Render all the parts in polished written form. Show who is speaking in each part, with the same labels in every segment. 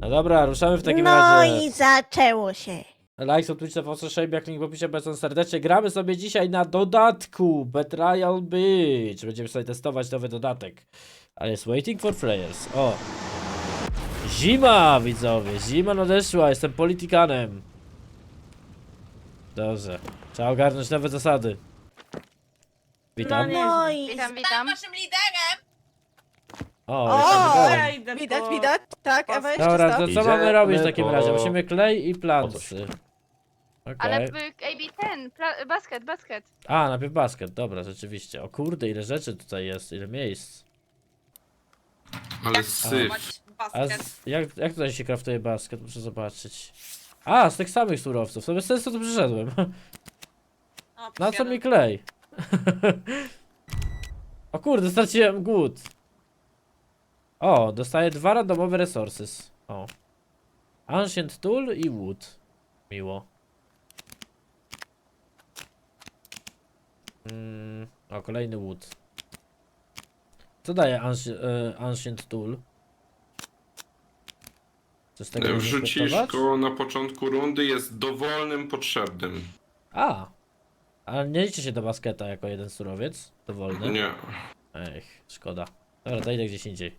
Speaker 1: No dobra, ruszamy w takim
Speaker 2: No
Speaker 1: razie.
Speaker 2: i zaczęło się.
Speaker 1: Like, subtweet, Foster, Shape, jak link w opisie, bardzo serdecznie. Gramy sobie dzisiaj na dodatku Betrayal Beach. Będziemy sobie testować nowy dodatek. Ale jest Waiting for Players. O! Zima, widzowie! Zima nadeszła, jestem politykanem. Dobrze. Trzeba ogarnąć nowe zasady. Witam.
Speaker 2: No i...
Speaker 3: Witam.
Speaker 4: Naszym liderem!
Speaker 1: O,
Speaker 2: O,
Speaker 1: jestem
Speaker 3: ja
Speaker 1: liderem.
Speaker 3: idę
Speaker 2: Widać,
Speaker 3: po...
Speaker 2: widać. Tak, Ewa jest
Speaker 1: Dobra,
Speaker 2: czysta.
Speaker 1: to co mamy robić w takim
Speaker 5: po-
Speaker 1: razie? Musimy klej i plancy.
Speaker 4: Ale
Speaker 1: Okej.
Speaker 4: AB ten, basket.
Speaker 1: A, najpierw basket, dobra, rzeczywiście. O kurde, ile rzeczy tutaj jest, ile miejsc.
Speaker 5: Ale syf.
Speaker 1: A jak tutaj się kraftuje basket? Muszę zobaczyć. A, z tych samych surowców, to bez sensu tu przyszedłem. Na co mi klej? O kurde, straciłem głód. O, dostaję 2 randomowe resources. O. Ancient Tool i Wood. Miło. O, kolejny Wood. Co daje Ancient Tool? Co z tego nie
Speaker 5: Wrzucisz
Speaker 1: testować?
Speaker 5: go na początku rundy, jest dowolnym potrzebnym.
Speaker 1: A nie liczy się do basketa jako jeden surowiec? Dowolny?
Speaker 5: Nie.
Speaker 1: Ech, szkoda. Dobra, to idę gdzieś indziej.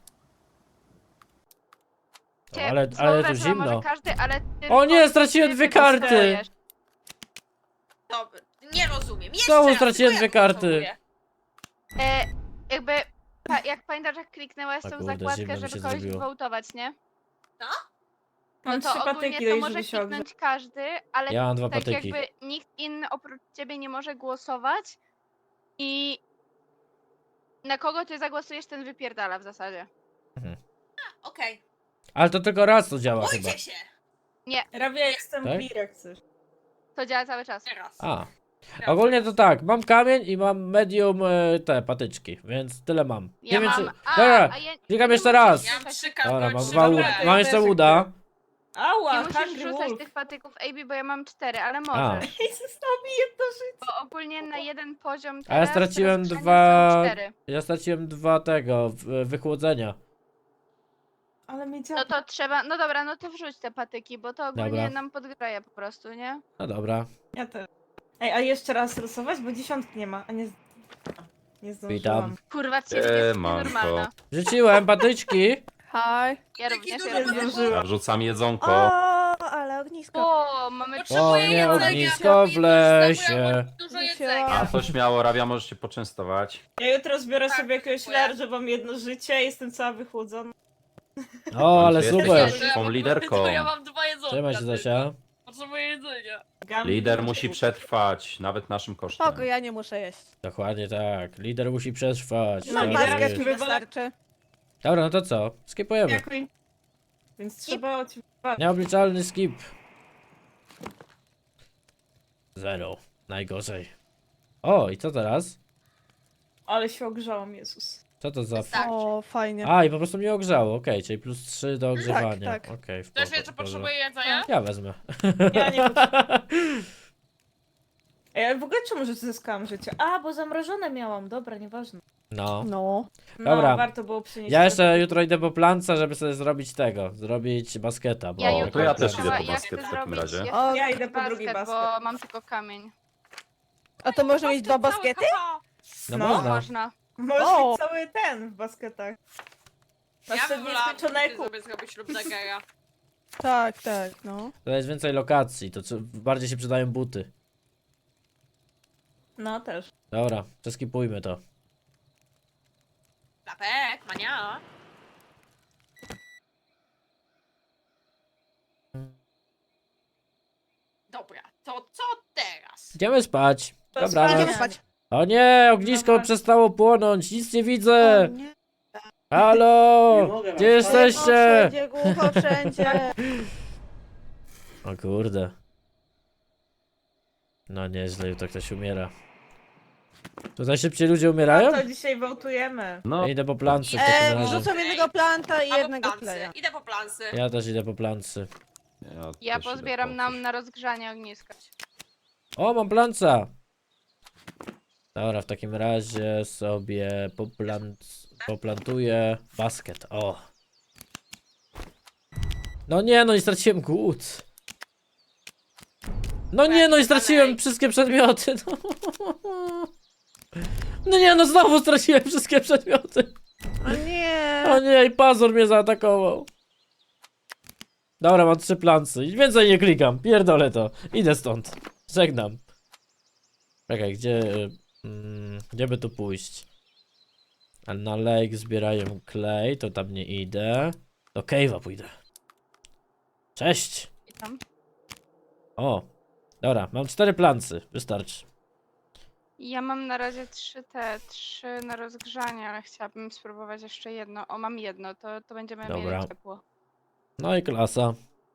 Speaker 1: O,
Speaker 4: Cię-
Speaker 1: ale
Speaker 4: słowo
Speaker 1: tu
Speaker 4: weszło,
Speaker 1: zimno.
Speaker 4: Może każdy, ale
Speaker 1: O nie, straciłem 2 karty!
Speaker 4: Dostajesz.
Speaker 6: Nie rozumiem. Jeszcze
Speaker 1: Znowu
Speaker 6: raz,
Speaker 1: straciłem
Speaker 6: tylko
Speaker 1: 2
Speaker 6: ja
Speaker 1: karty.
Speaker 6: potrzebuję.
Speaker 4: Jakby, jak pamiętasz, jak kliknęłaś
Speaker 1: A
Speaker 4: tą
Speaker 1: kurde,
Speaker 4: zakładkę,
Speaker 1: zimno mi się
Speaker 4: żeby kogoś
Speaker 1: zrobiło.
Speaker 4: wołtować, nie?
Speaker 3: Mam
Speaker 4: No
Speaker 3: 3
Speaker 4: to ogólnie
Speaker 3: patyki,
Speaker 4: to
Speaker 3: daj,
Speaker 4: może
Speaker 3: żeby się ogrzać.
Speaker 4: kliknąć każdy, ale
Speaker 1: Ja mam 2
Speaker 4: tak
Speaker 1: patyki.
Speaker 4: jakby nikt inny oprócz ciebie nie może głosować i na kogo ty zagłosujesz, ten wypierdala w zasadzie.
Speaker 6: Okej.
Speaker 1: Ale to tylko raz to działa chyba.
Speaker 6: Bójcie się.
Speaker 3: Rabia, jestem
Speaker 1: Tak?
Speaker 3: clear, jak chcesz.
Speaker 4: To działa cały czas.
Speaker 6: Teraz.
Speaker 1: A. Ogólnie to tak, mam kamień i mam medium te patyczki, więc tyle mam.
Speaker 4: Ja
Speaker 1: wiem,
Speaker 4: mam...
Speaker 1: czy... Dobra, klikam jeszcze raz.
Speaker 6: Ja mam 3
Speaker 1: Dobra, mam
Speaker 6: kartki.
Speaker 1: 2
Speaker 3: Dobra,
Speaker 1: mam
Speaker 3: ja
Speaker 1: jeszcze
Speaker 3: też
Speaker 1: łuda.
Speaker 3: Ała,
Speaker 4: Nie musisz
Speaker 3: Hungry
Speaker 4: wrzucać
Speaker 3: Wolf.
Speaker 4: tych patyków AB, bo ja mam 4, ale
Speaker 1: A.
Speaker 4: możesz.
Speaker 3: Ej, zostawi jedno życie.
Speaker 4: Bo ogólnie na jeden poziom
Speaker 1: A ja
Speaker 4: teraz
Speaker 1: straciłem
Speaker 4: rozgrzanie
Speaker 1: 2...
Speaker 4: są 4.
Speaker 1: Ja straciłem 2 tego, wychłodzenia.
Speaker 3: Ale mi
Speaker 4: No
Speaker 3: działa.
Speaker 4: to trzeba, no dobra, no to wrzuć te patyki, bo to ogólnie
Speaker 1: Dobra.
Speaker 4: nam podgraje po prostu, nie?
Speaker 1: No dobra,
Speaker 3: Ja też. Ej, a jeszcze raz rysować, bo 10 nie ma, a nie... Nie zdążyłam.
Speaker 1: witam.
Speaker 4: Kurwa, ciebie jest
Speaker 5: Manko.
Speaker 4: nienormalna.
Speaker 1: Rzuciłem patyczki.
Speaker 2: Hi.
Speaker 4: Ja
Speaker 6: Taki
Speaker 4: również,
Speaker 6: duży
Speaker 4: ja
Speaker 3: Nie
Speaker 4: również.
Speaker 3: zdążyłam.
Speaker 5: Wrzucam jedzonko.
Speaker 2: O, ale ognisko.
Speaker 4: O, mamy
Speaker 6: Potrzebuję
Speaker 1: O nie,
Speaker 6: jedzenia.
Speaker 1: ognisko w lesie.
Speaker 6: Dużo
Speaker 2: A,
Speaker 6: jedzenia.
Speaker 5: A to śmiało, Rabia, możesz się poczęstować.
Speaker 3: Ja jutro zbiorę
Speaker 6: Tak,
Speaker 3: sobie jakiegoś
Speaker 6: dziękuję.
Speaker 3: lar, że mam jedno życie, jestem cała wychłodzona.
Speaker 1: O, ale
Speaker 5: Ty jesteś
Speaker 1: super.
Speaker 5: naszą liderką.
Speaker 6: Ja mam 2 jedzonka.
Speaker 1: Trzymaj się, Zosia.
Speaker 6: Potrzebuję jedzenia.
Speaker 5: Lider musi przetrwać, nawet naszym kosztem.
Speaker 2: Spoko, ja nie muszę jeść.
Speaker 1: Dokładnie tak. Lider musi przetrwać.
Speaker 3: Mam
Speaker 1: Tak
Speaker 3: basket,
Speaker 1: jest.
Speaker 3: który-
Speaker 2: Wystarczy.
Speaker 1: Dobra, no to co? Skipujemy.
Speaker 3: Dziękuję. Więc trzeba oczywiście...
Speaker 1: Nieobliczalny skip. 0. Najgorzej. O, i co teraz?
Speaker 3: Ale się ogrzałam, Jezus.
Speaker 1: Co to za...
Speaker 6: Tak.
Speaker 2: O, fajnie.
Speaker 1: A, i po prostu mnie ogrzało, okej, czyli plus 3 do ogrzewania.
Speaker 2: tak.
Speaker 1: Okej, w
Speaker 6: Też
Speaker 1: porządku,
Speaker 6: jeszcze
Speaker 1: dobra.
Speaker 6: potrzebuję jedzenia?
Speaker 1: Ja wezmę.
Speaker 3: Ja nie potrzebuję. Ej, ale w ogóle czemu że zyskałam życie? A, bo zamrożone miałam, dobra, nieważne.
Speaker 1: No.
Speaker 2: No.
Speaker 3: No,
Speaker 1: Dobra.
Speaker 3: warto było przynieść.
Speaker 1: Ja jeszcze jutro idę po plance, żeby sobie zrobić tego, zrobić basketa, bo...
Speaker 4: Ja
Speaker 5: O,
Speaker 4: jutro
Speaker 5: to ja
Speaker 4: chcę
Speaker 5: też idę po
Speaker 4: ja
Speaker 5: basket
Speaker 4: chcę
Speaker 5: w takim
Speaker 4: zrobić
Speaker 5: razie.
Speaker 4: jeszcze
Speaker 2: O,
Speaker 3: ja idę po drugi basket.
Speaker 4: bo mam tylko kamień.
Speaker 2: A to można mieć 2 baskety?
Speaker 1: No,
Speaker 3: No,
Speaker 1: można.
Speaker 4: Można.
Speaker 3: Możesz
Speaker 2: O!
Speaker 3: mieć cały ten w basketach. Masz
Speaker 6: Ja
Speaker 3: wtedy
Speaker 6: bym wolała
Speaker 3: nieskończone
Speaker 6: sobie zrobić lub nagera.
Speaker 2: Tak, tak, no.
Speaker 1: To jest więcej lokacji, to bardziej się przydają buty.
Speaker 3: No też.
Speaker 1: Dobra, przeskipujmy to.
Speaker 6: Lapek, mania. Dobra, to co teraz?
Speaker 1: Idziemy spać.
Speaker 3: To
Speaker 1: Dobra.
Speaker 3: spać.
Speaker 2: Idziemy spać.
Speaker 1: O nie, ognisko
Speaker 3: Dobra.
Speaker 1: przestało płonąć, nic nie
Speaker 2: O,
Speaker 1: widzę.
Speaker 2: nie.
Speaker 1: Halo, gdzie jesteście?
Speaker 2: Wszędzie, głucho, wszędzie.
Speaker 1: O kurde. No nieźle, jutro ktoś umiera. Tutaj szybciej ludzie umierają?
Speaker 3: No to dzisiaj wołtujemy.
Speaker 5: No,
Speaker 1: Idę po plancy w takim razie.
Speaker 2: Wrzucam jednego planta i
Speaker 6: Albo
Speaker 2: jednego
Speaker 6: plansy.
Speaker 2: kleja.
Speaker 6: Idę po plansy.
Speaker 1: Ja też idę po plancy.
Speaker 4: Ja
Speaker 5: też idę
Speaker 4: pozbieram
Speaker 5: po
Speaker 4: nam
Speaker 5: coś.
Speaker 4: na rozgrzanie ogniska.
Speaker 1: O, mam planca! Dobra, w takim razie sobie poplantuję basket. O! No nie, no i straciłem głód. No nie, no i straciłem wszystkie przedmioty. No. No nie, no znowu straciłem wszystkie przedmioty.
Speaker 2: O nie.
Speaker 1: O nie, i pazur mnie zaatakował. Dobra, mam 3 plancy. I więcej nie klikam. Pierdolę to. Idę stąd. Żegnam. Czekaj, gdzie by tu pójść? A na lake zbierają klej, to tam nie idę. Do cave'a pójdę. Cześć!
Speaker 4: Witam.
Speaker 1: O, dobra, mam 4 plancy. Wystarczy.
Speaker 4: Ja mam na razie 3 na rozgrzanie, ale chciałabym spróbować jeszcze jedno. O, mam jedno, to będziemy
Speaker 1: Dobra.
Speaker 4: mieli ciepło.
Speaker 1: No i klasa.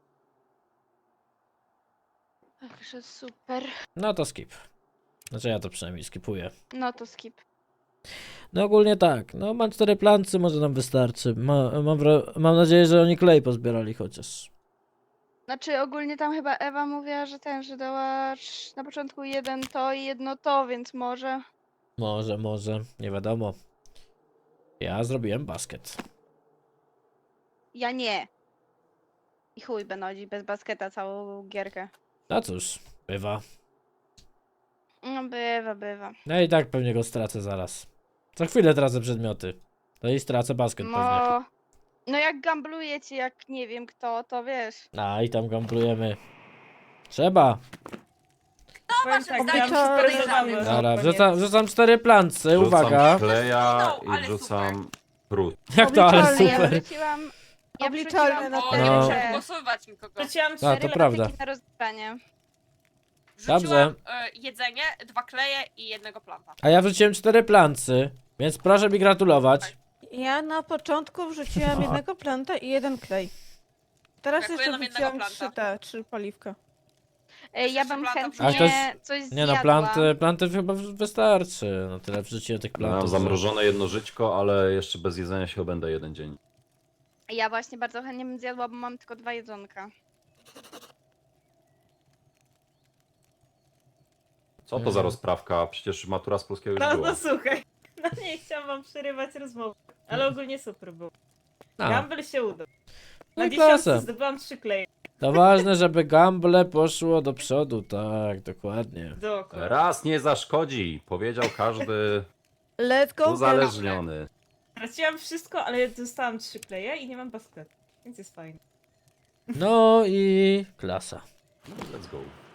Speaker 4: Także super.
Speaker 1: No to skip. Znaczy ja to przynajmniej skipuję.
Speaker 4: No to skip.
Speaker 1: No ogólnie tak, no mam 4 plancy, może nam wystarczy. Mam nadzieję, że oni klej pozbierali chociaż.
Speaker 4: Znaczy ogólnie tam chyba Ewa mówiła, że dała na początku jeden to i jedno to, więc może.
Speaker 1: Może, nie wiadomo. Ja zrobiłem basket.
Speaker 4: Ja nie. I chuj benodzi bez basketa całą gierkę.
Speaker 1: No cóż, bywa.
Speaker 4: No bywa.
Speaker 1: No i tak pewnie go stracę zaraz. Co chwilę tracę przedmioty. To i stracę basket pewnie.
Speaker 4: No jak gamblujecie, jak nie wiem kto, to wiesz.
Speaker 1: A i tam gamblujemy. Trzeba.
Speaker 3: Powiem
Speaker 6: Zobacz,
Speaker 3: tak, ja
Speaker 6: zdajesz
Speaker 3: mam
Speaker 6: się
Speaker 3: super
Speaker 6: podejrzany.
Speaker 3: zabawę.
Speaker 1: Dobra,
Speaker 3: Koniec.
Speaker 1: wrzucam 4 plancy, uwaga.
Speaker 7: Wrzucam kleja
Speaker 6: No, ale
Speaker 7: i wrzucam brud.
Speaker 1: Jak to, ale
Speaker 2: Obliczalnie.
Speaker 4: Ja
Speaker 1: super.
Speaker 4: wrzuciłam. Ja
Speaker 2: Obliczalne
Speaker 4: wrzuciłam
Speaker 2: na
Speaker 6: O,
Speaker 2: pewno.
Speaker 6: nie
Speaker 1: No.
Speaker 6: muszę głosować nikogo.
Speaker 3: Wrzuciłam
Speaker 1: A,
Speaker 3: 4
Speaker 1: to prawda.
Speaker 4: na rozgranie.
Speaker 6: Wrzuciłam
Speaker 1: Dobrze.
Speaker 6: jedzenie, 2 kleje i jednego planta.
Speaker 1: A ja wrzuciłem 4 plancy, więc proszę mi gratulować.
Speaker 2: Ja na początku wrzuciłam jednego planta i jeden klej. Teraz
Speaker 6: Brakuje
Speaker 2: jeszcze
Speaker 6: nam jednego
Speaker 2: wrzuciłam
Speaker 6: planta.
Speaker 2: 3 paliwka.
Speaker 4: Ja bym
Speaker 6: planta
Speaker 4: chętnie
Speaker 1: A ktoś-
Speaker 4: coś
Speaker 1: Nie
Speaker 4: zjadła.
Speaker 1: no, planty chyba wystarczy. No tyle wrzuciłem tych
Speaker 7: Mam
Speaker 1: plantów.
Speaker 7: zamrożone jedno żyćko, ale jeszcze bez jedzenia się obędę jeden dzień.
Speaker 4: Ja właśnie bardzo chętnie bym zjadła, bo mam tylko 2 jedzonka.
Speaker 7: Co to za rozprawka? Przecież matura z polskiego już
Speaker 3: No,
Speaker 7: była.
Speaker 3: no słuchaj. No nie chciałam wam przerywać rozmowę, ale ogólnie super było.
Speaker 1: A,
Speaker 3: Gamble się udał.
Speaker 1: no
Speaker 3: Na
Speaker 1: i klasa.
Speaker 3: 10 zdobyłam 3 kleje.
Speaker 1: To ważne, żeby gamble poszło do przodu, tak, dokładnie.
Speaker 3: Dookoła.
Speaker 7: Raz nie zaszkodzi, powiedział każdy
Speaker 2: Let's go.
Speaker 7: uzależniony.
Speaker 3: Straciłam wszystko, ale dostałam 3 kleje i nie mam basketu. Więc jest fajnie.
Speaker 1: No i klasa.
Speaker 7: Let's go.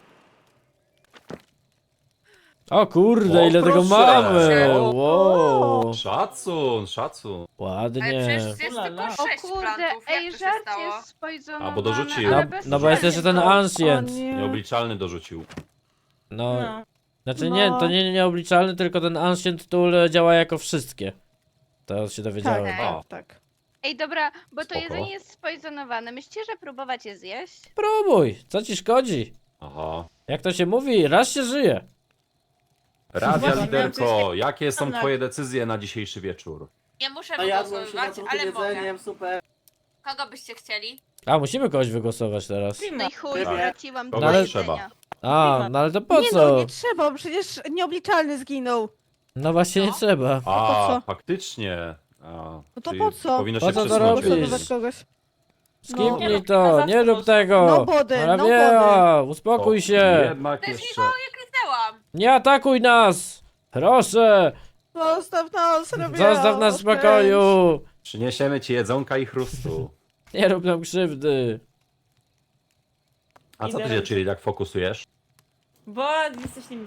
Speaker 1: O kurde,
Speaker 7: O,
Speaker 1: ile tego
Speaker 7: proszę.
Speaker 1: mamy!
Speaker 7: O,
Speaker 1: Wow,
Speaker 7: Szacun.
Speaker 4: Ale
Speaker 1: ładnie.
Speaker 4: przecież
Speaker 6: Jest
Speaker 3: Ulala.
Speaker 6: tylko
Speaker 4: O
Speaker 6: 6
Speaker 4: kurde,
Speaker 6: plantów,
Speaker 4: ej,
Speaker 6: jak to się
Speaker 4: żart
Speaker 6: stało?
Speaker 4: jest spoizonowane,
Speaker 7: A, bo dorzucił.
Speaker 1: No,
Speaker 4: ale bez
Speaker 1: no bo jest jeszcze ten
Speaker 4: sensu.
Speaker 1: ancient.
Speaker 7: Nieobliczalny dorzucił.
Speaker 1: No,
Speaker 3: No.
Speaker 1: znaczy
Speaker 2: No.
Speaker 1: nie, to nie nieobliczalny, tylko ten ancient tool działa jako wszystkie. To się dowiedziałem.
Speaker 4: Tak.
Speaker 7: O.
Speaker 2: Tak.
Speaker 4: Ej, dobra, bo to
Speaker 7: Spoko.
Speaker 4: jedzenie jest spoizonowane. Myślicie, że próbować je zjeść?
Speaker 1: Próbuj, co ci szkodzi?
Speaker 7: Aha.
Speaker 1: Jak to się mówi, raz się żyje.
Speaker 7: Radia
Speaker 3: Właśnie,
Speaker 7: liderko, jakie są
Speaker 3: Tak.
Speaker 7: twoje decyzje na dzisiejszy wieczór?
Speaker 6: Nie muszę
Speaker 8: Najadłem się
Speaker 6: wygłosowywać,
Speaker 8: na
Speaker 6: ale mogę.
Speaker 8: jedzeniem, super.
Speaker 6: Kogo byście chcieli?
Speaker 1: A, musimy kogoś wygłosować teraz.
Speaker 3: Prima.
Speaker 4: No i chuj,
Speaker 8: Tak.
Speaker 4: straciłam
Speaker 7: Kogoś
Speaker 4: 2
Speaker 7: trzeba.
Speaker 4: jedzenia.
Speaker 1: A, no ale to po
Speaker 2: Nie no,
Speaker 1: co?
Speaker 2: nie trzeba, bo przecież nieobliczalny zginął.
Speaker 1: No właśnie nie
Speaker 6: No.
Speaker 1: trzeba.
Speaker 2: po
Speaker 7: A,
Speaker 2: co?
Speaker 7: faktycznie. A,
Speaker 2: No to
Speaker 7: czyli
Speaker 2: po co?
Speaker 7: Powinno
Speaker 1: Po
Speaker 7: się
Speaker 1: co to
Speaker 7: przesunąć.
Speaker 1: robisz?
Speaker 2: Głosować kogoś.
Speaker 1: Skipnij
Speaker 3: No.
Speaker 1: to, nie rób tego.
Speaker 2: No body,
Speaker 1: Ale
Speaker 2: no
Speaker 1: wie, uspokój się.
Speaker 7: Jednak
Speaker 6: To jest
Speaker 7: jeszcze.
Speaker 6: Kliknęłam.
Speaker 1: Nie atakuj nas! Proszę!
Speaker 2: Zostaw nas, robię.
Speaker 1: Zostaw nas w spokoju!
Speaker 7: Przyniesiemy ci jedzonka i chrustu.
Speaker 1: Nie rób nam krzywdy.
Speaker 7: A co ty się, czyli jak fokusujesz?
Speaker 3: Bo jesteś nim...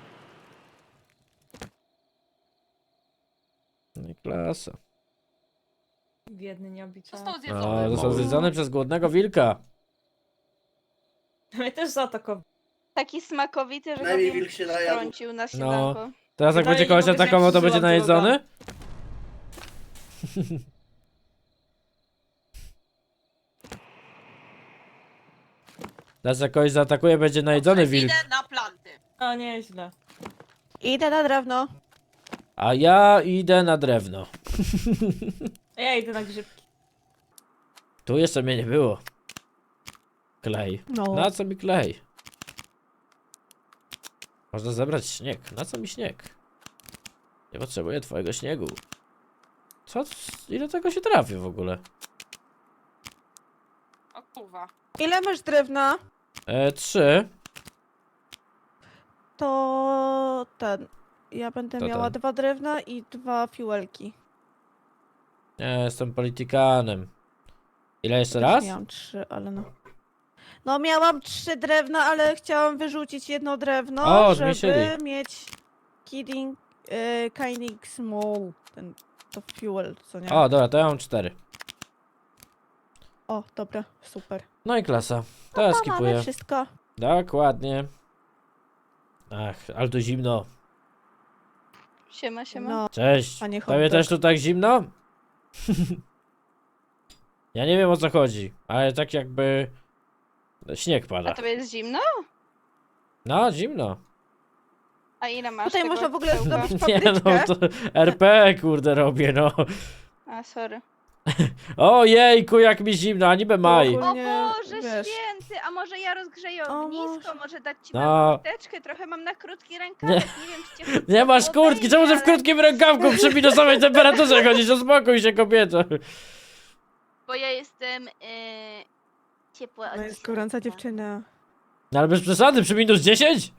Speaker 1: No i klasa.
Speaker 3: Biedny, nieobliczalny.
Speaker 6: Został
Speaker 1: O,
Speaker 6: zjedzony.
Speaker 1: został zjedzony przez głodnego wilka.
Speaker 3: Mnie też zaatakował.
Speaker 4: Taki smakowity, że
Speaker 8: Najmniej
Speaker 4: go
Speaker 8: wilk się najadł.
Speaker 4: wtrącił na
Speaker 1: No.
Speaker 4: śniadanko.
Speaker 1: Teraz jak
Speaker 3: Wydaje
Speaker 1: będzie
Speaker 3: mi
Speaker 1: kogoś
Speaker 3: się, że
Speaker 1: atakował, to
Speaker 3: jak
Speaker 1: będzie
Speaker 3: przeżyłam
Speaker 1: najedzony? Teraz jak kogoś zaatakuje, będzie najedzony
Speaker 6: Dobrze,
Speaker 1: wilk.
Speaker 6: Idę na planty.
Speaker 3: O, nieźle.
Speaker 2: Idę na drewno.
Speaker 1: A ja idę na drewno.
Speaker 3: A ja idę na grzybki.
Speaker 1: Tu jeszcze mnie nie było. Klej.
Speaker 2: No.
Speaker 1: Na co mi klej? Można zebrać śnieg. Na co mi śnieg? Nie potrzebuję twojego śniegu. Co? Ile tego się trafi w ogóle?
Speaker 6: O Uwa.
Speaker 2: Ile masz drewna?
Speaker 1: 3.
Speaker 2: To ten. Ja będę
Speaker 1: To
Speaker 2: miała
Speaker 1: ten.
Speaker 2: 2 drewna i 2 fuelki.
Speaker 1: Ja jestem politykanem. Ile jeszcze
Speaker 2: Też
Speaker 1: raz?
Speaker 2: Miałam 3, ale no. No miałam 3 drewna, ale chciałam wyrzucić jedno drewno,
Speaker 1: O,
Speaker 2: żeby
Speaker 1: zmniejszyli.
Speaker 2: mieć Kidding Small. To fuel, co nie?
Speaker 1: O, dobra, to ja mam 4.
Speaker 2: O, dobra, super.
Speaker 1: No i klasa. To ja
Speaker 2: To
Speaker 1: skipuję.
Speaker 2: mamy wszystko.
Speaker 1: Dokładnie. Ach, ale tu zimno.
Speaker 4: Siema, siema.
Speaker 2: No,
Speaker 1: Cześć.
Speaker 2: Panie
Speaker 1: Tobie
Speaker 2: hot
Speaker 1: też
Speaker 2: dog.
Speaker 1: tu tak zimno? Ja nie wiem o co chodzi, ale tak jakby śnieg
Speaker 4: A
Speaker 1: pada.
Speaker 4: tobie jest zimno?
Speaker 1: No, zimno.
Speaker 4: A ile masz
Speaker 2: Tutaj
Speaker 4: tego
Speaker 2: można w ogóle
Speaker 4: pudełka?
Speaker 2: zdobyć
Speaker 1: Nie no,
Speaker 2: papryczkę.
Speaker 1: to RP kurde robię, no.
Speaker 4: A, sorry.
Speaker 1: O jejku, jak mi zimno, a niby maj.
Speaker 2: Ogólnie,
Speaker 4: O Boże
Speaker 2: wiesz.
Speaker 4: święty, a może ja rozgrzeję
Speaker 2: O
Speaker 4: ognisko,
Speaker 2: Boże.
Speaker 4: może dać ci
Speaker 1: No.
Speaker 4: małą kurteczkę, trochę mam na krótki rękawek, nie wiem czy cię
Speaker 1: Nie masz kurtki, czemu ty w krótkim rękawku przy minusowej temperaturze chodzisz? Uspokój się, kobieto.
Speaker 4: Bo ja jestem ciepła
Speaker 2: No
Speaker 4: od
Speaker 2: jest gorąca
Speaker 4: środka.
Speaker 2: dziewczyna.
Speaker 1: No ale bez przesady, przy minus 10?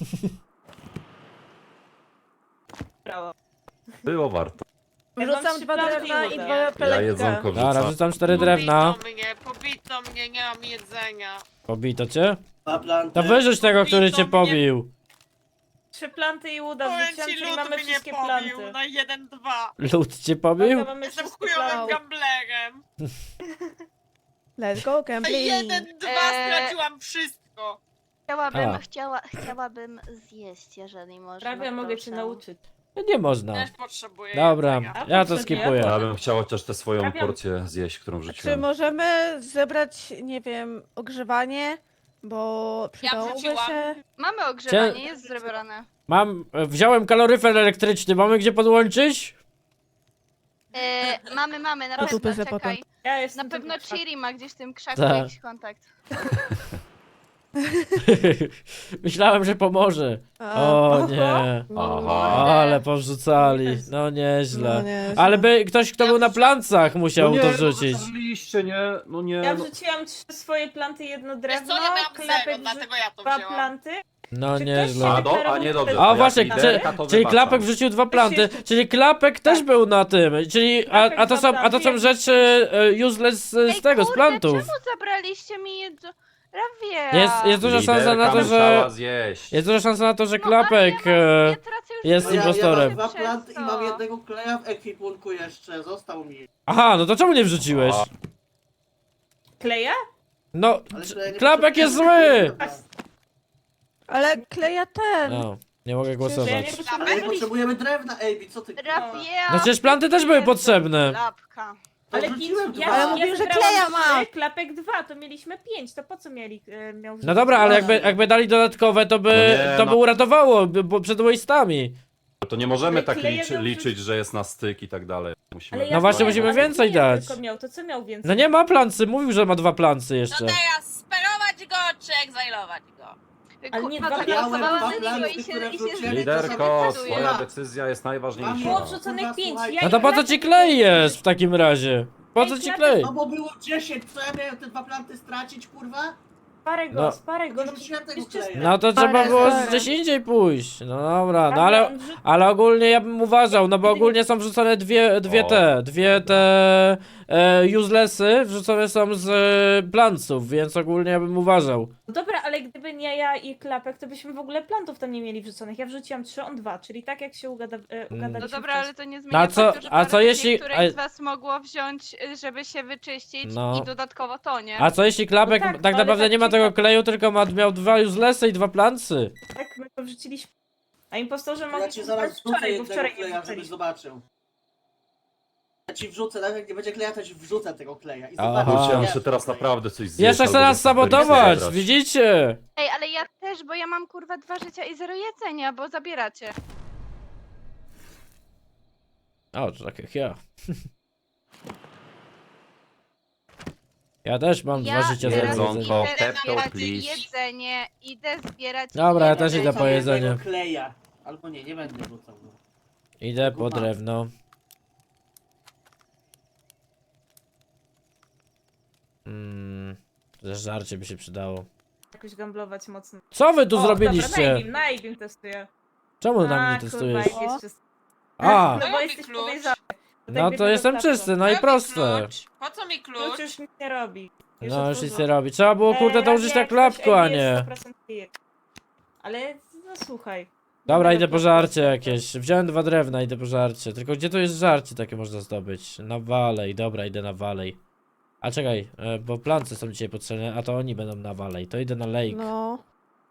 Speaker 3: Brawo.
Speaker 7: Było warto.
Speaker 3: Ja mam
Speaker 2: Rzucam
Speaker 3: 3
Speaker 2: 2
Speaker 3: planty
Speaker 2: drewna i
Speaker 3: uda.
Speaker 2: 2
Speaker 7: Ja
Speaker 2: peletka.
Speaker 7: jedzonko
Speaker 1: Dobra,
Speaker 7: wrzucam.
Speaker 1: wrzucam 4 drewna.
Speaker 6: Pobito mnie, nie mam jedzenia.
Speaker 1: Pobito cię?
Speaker 8: Dwa planty.
Speaker 1: To wyrzuć tego, który cię
Speaker 6: Pobito mnie.
Speaker 1: pobił.
Speaker 3: 3 planty i uda
Speaker 6: Powiem
Speaker 3: wrzuciłam,
Speaker 6: ci,
Speaker 3: czyli
Speaker 6: lud
Speaker 3: mamy
Speaker 6: mnie
Speaker 3: wszystkie
Speaker 6: pobił
Speaker 3: planty.
Speaker 6: na 1-2.
Speaker 1: Lud cię pobił?
Speaker 3: Dobra, mamy
Speaker 6: Jestem
Speaker 3: wszystkie
Speaker 6: chujowym
Speaker 3: planty.
Speaker 6: gamblerem.
Speaker 2: Let's go, gambling.
Speaker 6: 1-2 straciłam wszystko.
Speaker 4: Chciałabym zjeść, jeżeli można.
Speaker 3: Prawie mogę cię
Speaker 4: proszę.
Speaker 3: nauczyć.
Speaker 1: Nie można.
Speaker 6: Też potrzebuję
Speaker 1: Dobra,
Speaker 6: jedzenia.
Speaker 1: ja to
Speaker 3: potrzebuję.
Speaker 1: skipuję.
Speaker 7: Ja bym chciał chociaż tę swoją
Speaker 3: Trafiam.
Speaker 7: porcję zjeść, którą
Speaker 2: Czy
Speaker 7: wrzuciłem.
Speaker 2: możemy zebrać, nie wiem, ogrzewanie? Bo przydałoby
Speaker 6: wrzuciłam.
Speaker 2: się.
Speaker 4: Mamy ogrzewanie, jest zrobione.
Speaker 1: Wziąłem kaloryfer elektryczny, mamy gdzie podłączyć?
Speaker 4: Mamy, na
Speaker 2: To
Speaker 4: pewno,
Speaker 2: dupy zapota.
Speaker 4: czekaj.
Speaker 3: Ja jestem
Speaker 4: Na pewno
Speaker 3: tylko-
Speaker 4: Chiri ma gdzieś w tym krzaku
Speaker 1: Tak.
Speaker 4: jakiś kontakt.
Speaker 1: Myślałem, że pomoże. O nie.
Speaker 7: Aha.
Speaker 1: Ale powrzucali. No
Speaker 2: No
Speaker 1: nieźle.
Speaker 2: nie,
Speaker 1: Ale by ktoś, kto był na plancach, musiał to wrzucić.
Speaker 7: Liście, nie? No nie.
Speaker 3: Ja
Speaker 7: no.
Speaker 3: wrzuciłam 3 swoje planty, jedno
Speaker 6: Wiesz
Speaker 3: drewno,
Speaker 6: co, ja miałam
Speaker 3: klepek
Speaker 6: 0, dlatego ja to
Speaker 3: 2
Speaker 6: wzięłam.
Speaker 3: planty.
Speaker 1: No
Speaker 3: Czy
Speaker 1: nieźle.
Speaker 3: ktoś
Speaker 7: A nie dobrze.
Speaker 1: A
Speaker 7: jak
Speaker 1: właśnie,
Speaker 7: liderka, to
Speaker 1: czyli
Speaker 7: wybaczam.
Speaker 1: Klapek wrzucił 2 planty, czyli Klapek też
Speaker 3: Tak.
Speaker 1: był na tym, czyli,
Speaker 3: Klapek
Speaker 1: a to
Speaker 3: dwa
Speaker 1: są, a to są
Speaker 3: planty,
Speaker 1: rzeczy useless z tego, z
Speaker 4: kurde,
Speaker 1: plantów.
Speaker 4: czemu zabraliście mi Rawia?
Speaker 1: Jest duża szansa na to,
Speaker 7: Liderka
Speaker 1: że,
Speaker 7: musiała zjeść.
Speaker 1: jest duża szansa na to, że
Speaker 4: No,
Speaker 1: Klapek,
Speaker 4: ja tracę już
Speaker 1: jest
Speaker 8: No ja
Speaker 1: impostorem.
Speaker 8: mam dwa planty i
Speaker 4: Przez
Speaker 8: mam
Speaker 4: to.
Speaker 8: jednego kleja w ekwipunku jeszcze, został mi.
Speaker 1: Aha, no to czemu nie wrzuciłeś?
Speaker 7: A.
Speaker 3: Kleja?
Speaker 1: No,
Speaker 8: Ale kleja nie
Speaker 1: Klapek jest
Speaker 8: potrzebuję.
Speaker 1: zły!
Speaker 2: Ale kleja ten.
Speaker 1: No, nie mogę
Speaker 3: Ja
Speaker 1: głosować.
Speaker 3: nie
Speaker 8: Ale nie
Speaker 3: potrzebowaliśmy.
Speaker 8: potrzebujemy drewna, Ejbi, co ty?
Speaker 4: Rawia!
Speaker 1: No przecież planty też były potrzebne.
Speaker 4: Klapka.
Speaker 8: To
Speaker 3: Ale
Speaker 8: wrzuciłem
Speaker 3: 5,
Speaker 8: dwa.
Speaker 2: Ale mówił, że
Speaker 3: zebrałam
Speaker 2: kleja ma.
Speaker 3: 3, klapek 2, to mieliśmy 5, to po co miał
Speaker 1: No dobra, ale jakby dali dodatkowe, to by,
Speaker 7: No nie,
Speaker 1: to
Speaker 7: no.
Speaker 1: by uratowało, bo przed waste'ami.
Speaker 7: To nie możemy
Speaker 3: Ale
Speaker 7: tak
Speaker 3: kleje miał
Speaker 7: liczyć, że jest na styk i tak dalej. Musimy...
Speaker 1: No właśnie, musimy więcej dać.
Speaker 3: Tylko miał, to co miał więcej?
Speaker 1: No nie ma plancy, mówił, że ma 2 plancy
Speaker 6: No
Speaker 1: jeszcze.
Speaker 6: teraz sperować go, czy egzailować go?
Speaker 3: Ale nie,
Speaker 4: Kurwa,
Speaker 3: dwa
Speaker 4: zagłosowałam
Speaker 8: miałem
Speaker 4: na
Speaker 8: dwa
Speaker 4: niego
Speaker 8: plany,
Speaker 4: i się,
Speaker 8: które
Speaker 4: i się
Speaker 8: wróciłem.
Speaker 7: Liderko,
Speaker 4: zdecyduje.
Speaker 7: twoja decyzja jest najważniejsza.
Speaker 3: Było wrzuconych 5.
Speaker 8: Kurwa,
Speaker 3: Ja
Speaker 1: No to
Speaker 3: i
Speaker 1: po co
Speaker 3: klapek
Speaker 1: ci klej jest w takim razie? Po co ci klej?
Speaker 8: No bo było 10, co ja miałem te dwa planty stracić, kurwa?
Speaker 3: Parę go,
Speaker 1: No.
Speaker 3: parę go.
Speaker 8: Nie wrzuciłem tego
Speaker 3: Jeszcze
Speaker 8: kleja.
Speaker 1: No to trzeba
Speaker 2: Ale
Speaker 1: było
Speaker 2: sorry.
Speaker 1: gdzieś indziej pójść. No dobra, no
Speaker 3: Prawie
Speaker 1: ale,
Speaker 3: on wrzucił-
Speaker 1: ale ogólnie ja bym uważał, no bo ogólnie są wrzucone dwie te uselessy, wrzucone są z planców, więc ogólnie ja bym uważał.
Speaker 3: Dobra, ale gdyby nie ja i klapek, to byśmy w ogóle plantów tam nie mieli wrzuconych. Ja wrzuciłam 3, on 2, czyli tak jak się ugadaliśmy.
Speaker 4: No dobra, ale to nie
Speaker 1: No
Speaker 4: zmienia
Speaker 1: a co-
Speaker 4: faktu, że
Speaker 1: a co
Speaker 4: parę
Speaker 1: jeśli-
Speaker 4: któreś
Speaker 1: a-
Speaker 4: z was mogło wziąć, żeby się wyczyścić
Speaker 1: No.
Speaker 4: i dodatkowo to, nie?
Speaker 1: A co jeśli Klapek
Speaker 3: No tak,
Speaker 1: tak
Speaker 3: ale
Speaker 1: naprawdę
Speaker 3: tak
Speaker 1: nie ma
Speaker 3: czy
Speaker 1: tego
Speaker 3: tak.
Speaker 1: kleju, tylko miał 2 uselessy i 2 plancy?
Speaker 3: Tak, my to wrzuciliśmy. A impostorze
Speaker 8: Ja
Speaker 3: mogli
Speaker 8: ci zaraz wrzucę
Speaker 3: wczoraj, bo
Speaker 8: jednego
Speaker 3: wczoraj nie
Speaker 8: kleja, żebyś
Speaker 3: wrzuciliśmy.
Speaker 8: zobaczył. Ja ci wrzucę, nawet jak nie będzie kleja, to ci wrzucę tego kleja i
Speaker 1: Aha.
Speaker 8: zobaczysz.
Speaker 7: Kurczę, ja
Speaker 8: jak
Speaker 7: muszę teraz naprawdę coś zjeść.
Speaker 1: Jeszcze chcę
Speaker 7: albo
Speaker 1: nas
Speaker 7: coś sobie
Speaker 1: sabotować,
Speaker 7: zebrać.
Speaker 1: widzicie?
Speaker 4: Ej, ale ja też, bo ja mam kurwa 2 życia i 0 jedzenia, bo zabieracie.
Speaker 1: O, to tak jak ja. Ja też mam 2 życia za
Speaker 4: teraz
Speaker 7: jedzonko.
Speaker 1: jedzenie.
Speaker 4: idę
Speaker 7: Pepto,
Speaker 4: zbierać
Speaker 7: please.
Speaker 4: jedzenie, idę zbierać
Speaker 1: Dobra, ja też
Speaker 4: jedzenie.
Speaker 1: idę po jedzenie.
Speaker 8: jednego kleja. Albo nie będę rzucał. No.
Speaker 1: Idę po drewno. Żarcie by się przydało.
Speaker 3: Jakoś gamblować mocno.
Speaker 1: Co wy tu
Speaker 3: O,
Speaker 1: zrobiliście?
Speaker 3: Dobra, najbim testuję.
Speaker 1: Czemu na mnie
Speaker 3: kurwa,
Speaker 1: testujesz?
Speaker 3: jest czysty.
Speaker 1: A,
Speaker 3: No bo
Speaker 6: No
Speaker 3: jesteś
Speaker 6: klucz.
Speaker 3: podejrzany.
Speaker 1: no to
Speaker 3: Tutaj
Speaker 1: jestem
Speaker 3: biegł
Speaker 1: czysty, no
Speaker 6: Po
Speaker 1: i
Speaker 6: co mi
Speaker 1: proste.
Speaker 6: klucz? Po co mi
Speaker 3: Klucz
Speaker 6: klucz?
Speaker 3: już nic nie robi. Już
Speaker 1: No już nic
Speaker 3: otworzyłam.
Speaker 1: nie robi. Trzeba było kurde to użyć na
Speaker 3: jak
Speaker 1: klapku,
Speaker 3: ktoś
Speaker 1: a
Speaker 3: AB jest
Speaker 1: nie.
Speaker 3: 100% clear. Ale no słuchaj.
Speaker 1: Dobra,
Speaker 3: Nie
Speaker 1: idę
Speaker 3: będę
Speaker 1: po żarcie
Speaker 3: klapku.
Speaker 1: jakieś. Wziąłem 2 drewna, idę po żarcie. Tylko gdzie to jest żarcie takie można zdobyć? Na Walej, dobra, idę na Walej. A czekaj, bo plance są dzisiaj potrzebne, a to oni będą na Walej. To idę na Lake.
Speaker 2: No.